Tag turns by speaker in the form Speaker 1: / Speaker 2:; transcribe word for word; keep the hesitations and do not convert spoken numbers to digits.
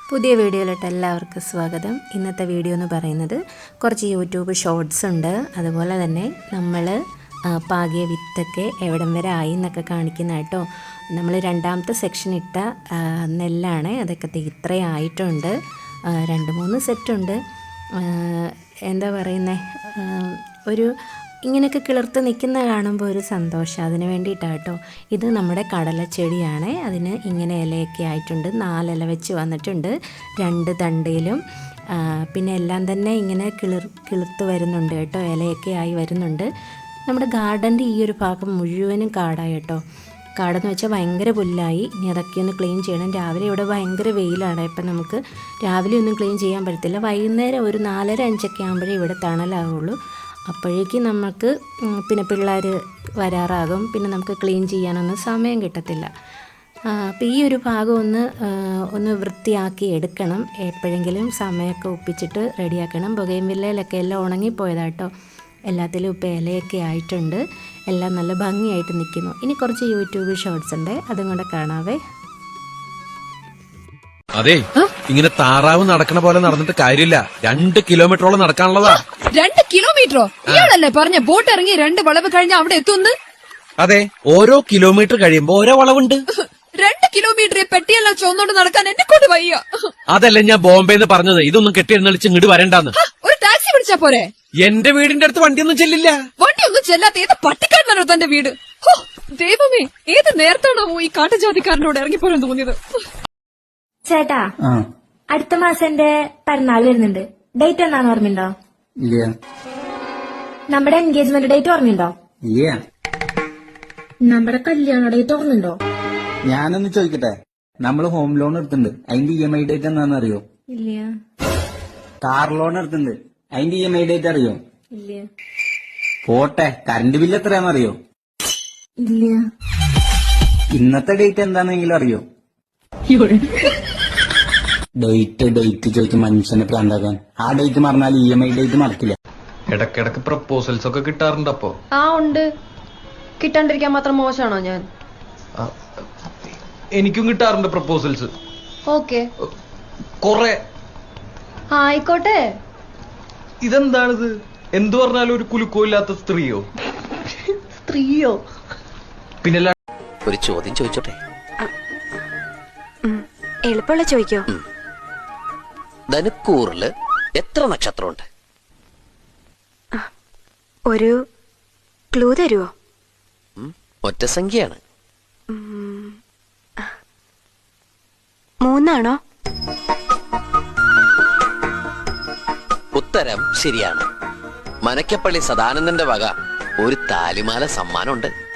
Speaker 1: പുതിയ വീഡിയോയിലോട്ട് എല്ലാവർക്കും സ്വാഗതം. ഇന്നത്തെ വീഡിയോ എന്ന് പറയുന്നത് കുറച്ച് യൂട്യൂബ് ഷോർട്സ് ഉണ്ട്, അതുപോലെ തന്നെ നമ്മൾ പാകിയ വിത്തൊക്കെ എവിടം വരെ ആയി എന്നൊക്കെ കാണിക്കുന്ന കേട്ടോ. നമ്മൾ രണ്ടാമത്തെ സെക്ഷൻ ഇട്ട നെല്ലാണ്, അതൊക്കെ ഇത്രയും ആയിട്ടുണ്ട്. രണ്ട് മൂന്ന് സെറ്റുണ്ട്. എന്താ പറയുന്നത്, ഒരു ഇങ്ങനെയൊക്കെ കിളിർത്ത് നിൽക്കുന്ന കാണുമ്പോൾ ഒരു സന്തോഷം, അതിന് വേണ്ടിയിട്ടാണ് കേട്ടോ. ഇത് നമ്മുടെ കടലച്ചെടിയാണ്, അതിന് ഇങ്ങനെ ഇലയൊക്കെ ആയിട്ടുണ്ട്. നാലില വെച്ച് വന്നിട്ടുണ്ട് രണ്ട് തണ്ടയിലും. പിന്നെ എല്ലാം തന്നെ ഇങ്ങനെ കിളിർ കിളിർത്ത് വരുന്നുണ്ട് കേട്ടോ, ഇലയൊക്കെ ആയി വരുന്നുണ്ട്. നമ്മുടെ ഗാർഡൻ്റെ ഈ ഒരു ഭാഗം മുഴുവനും കാടായി കേട്ടോ. കാടെന്ന് വെച്ചാൽ ഭയങ്കര പുല്ലായി. ഇനി അതൊക്കെ ഒന്ന് ക്ലീൻ ചെയ്യണം. രാവിലെ ഇവിടെ ഭയങ്കര വെയിലാണ്, ഇപ്പം നമുക്ക് രാവിലെ ഒന്നും ക്ലീൻ ചെയ്യാൻ പറ്റത്തില്ല. വൈകുന്നേരം ഒരു നാലര അഞ്ചൊക്കെ ആകുമ്പോഴേ ഇവിടെ തണലാവുള്ളൂ. അപ്പോഴേക്കും നമുക്ക് പിന്നെ പിള്ളേർ വരാറാകും, പിന്നെ നമുക്ക് ക്ലീൻ ചെയ്യാനൊന്നും സമയം കിട്ടത്തില്ല. അപ്പോൾ ഈ ഒരു ഭാഗം ഒന്ന് ഒന്ന് വൃത്തിയാക്കി എടുക്കണം. എപ്പോഴെങ്കിലും സമയമൊക്കെ ഒപ്പിച്ചിട്ട് റെഡിയാക്കണം. ബൊഗെയിൻവില്ലയിലൊക്കെ എല്ലാം ഉണങ്ങിപ്പോയതാട്ടോ. എല്ലാത്തിലും ഇപ്പോൾ ഇലയൊക്കെ ആയിട്ടുണ്ട്, എല്ലാം നല്ല ഭംഗിയായിട്ട് നിൽക്കുന്നു. ഇനി കുറച്ച് യൂട്യൂബ് ഷോർട്സ് ഉണ്ട്, അതും കൂടെ കാണാവേ.
Speaker 2: അതെ, ഇങ്ങനെ താറാവ് നടക്കണ പോലെ നടന്നിട്ട് കാര്യമില്ല. രണ്ട് കിലോമീറ്ററോളം നടക്കാനുള്ളതാ.
Speaker 3: രണ്ട് കിലോമീറ്ററോ? ഇയാളല്ലേ പറഞ്ഞ ബോട്ട് ഇറങ്ങി രണ്ട് വളവ് കഴിഞ്ഞ അവിടെ എത്തുന്നു?
Speaker 2: അതെ, ഓരോ കിലോമീറ്റർ കഴിയുമ്പോ ഓരോ വളവുണ്ട്.
Speaker 3: രണ്ട് കിലോമീറ്റർ പെട്ടിയെല്ലാം ചുവന്നോണ്ട് നടക്കാൻ എന്നെ കൊണ്ട് വയ്യ.
Speaker 2: അതല്ല ഞാൻ ബോംബെന്ന് പറഞ്ഞത്, ഇതൊന്നും കെട്ടിയെഴുന്നള്ളിച്ച് ഇങ്ങോട്ട് വരണ്ടാന്ന്.
Speaker 3: ഒരു ടാക്സി പിടിച്ചാ പോരെ?
Speaker 2: എന്റെ വീടിന്റെ അടുത്ത് വണ്ടിയൊന്നും ചെല്ലില്ല.
Speaker 3: വണ്ടിയൊന്നും ചെല്ലാത്ത ഏത് പട്ടിക്കാരനാണോ തന്റെ വീട്? ദൈവമേ, ഏത് നേരത്താണോ ഈ കാട്ടുജാതിക്കാരനോട് ഇറങ്ങിപ്പോരാൻ തോന്നിയത്?
Speaker 4: ചേട്ടാ, അടുത്ത മാസം എന്റെ പിറന്നാൾ വരുന്നുണ്ട്. ഡേറ്റ് എന്നാന്ന് ഓർമ്മയുണ്ടോ?
Speaker 5: ഇല്ല.
Speaker 4: നമ്മുടെ എൻഗേജ്മെന്റ് ഡേറ്റ് ഓർമ്മയുണ്ടോ?
Speaker 5: ഇല്ല.
Speaker 4: നമ്മുടെ കല്യാണ ഡേറ്റ് ഓർമ്മയുണ്ടോ?
Speaker 5: ഞാനൊന്ന് ചോദിക്കട്ടെ, നമ്മള് ഹോം ലോൺ എടുത്തിട്ടുണ്ട്, അതിന്റെ ഇ എം ഐ ഡേറ്റ് എന്താണെന്ന് അറിയോ?
Speaker 4: ഇല്ല.
Speaker 5: കാർ ലോൺ എടുത്തിട്ടുണ്ട്, അതിന്റെ ഇ എം ഐ ഡേറ്റ് അറിയോ?
Speaker 4: ഇല്ല.
Speaker 5: പോട്ടെ, കറണ്ട് ബില്ല് എത്രയാണെന്ന് അറിയോ?
Speaker 4: ഇല്ല.
Speaker 5: ഇന്നത്തെ ഡേറ്റ് എന്താണെന്നെങ്കിലും അറിയോ? ഡേറ്റ് ഡേറ്റ് ചോദിച്ച് മനുഷ്യനെ പ്രാന്താക്കാൻ. ആ ഡേറ്റ് മറന്നാൽ ഇ എം ഐ ഡേറ്റ് മറക്കില്ല.
Speaker 2: ഇടക്കിടക്ക് പ്രപ്പോസൽസ് ഒക്കെ കിട്ടാറുണ്ട്. അപ്പോ
Speaker 6: ആ ഉണ്ട്. കിട്ടാണ്ടിരിക്കാൻ മാത്രം മോശമാണോ ഞാൻ?
Speaker 2: എനിക്കും കിട്ടാറുണ്ട് പ്രപ്പോസൽസ്.
Speaker 6: ഓക്കെ,
Speaker 2: കൊറേ.
Speaker 6: ആയിക്കോട്ടെ.
Speaker 2: ഇതെന്താണിത്? എന്തു പറഞ്ഞാലും ഒരു കുലുക്കോ ഇല്ലാത്ത സ്ത്രീയോ?
Speaker 6: സ്ത്രീയോ?
Speaker 2: പിന്നെ
Speaker 7: ഒരു ചോദ്യം ചോദിച്ചോട്ടെ?
Speaker 8: എളുപ്പമുള്ള ചോദിക്കോ?
Speaker 7: ധനുക്കൂറില് എത്ര നക്ഷത്രമുണ്ട്?
Speaker 8: ഒരു ക്ലൂ തരുവോ?
Speaker 7: ഒറ്റ സംഖ്യയാണ്.
Speaker 8: മൂന്നാണോ?
Speaker 7: ഉത്തരം ശരിയാണ്. മനക്കപ്പള്ളി സദാനന്ദന്റെ വക ഒരു താലിമാല സമ്മാനമുണ്ട്.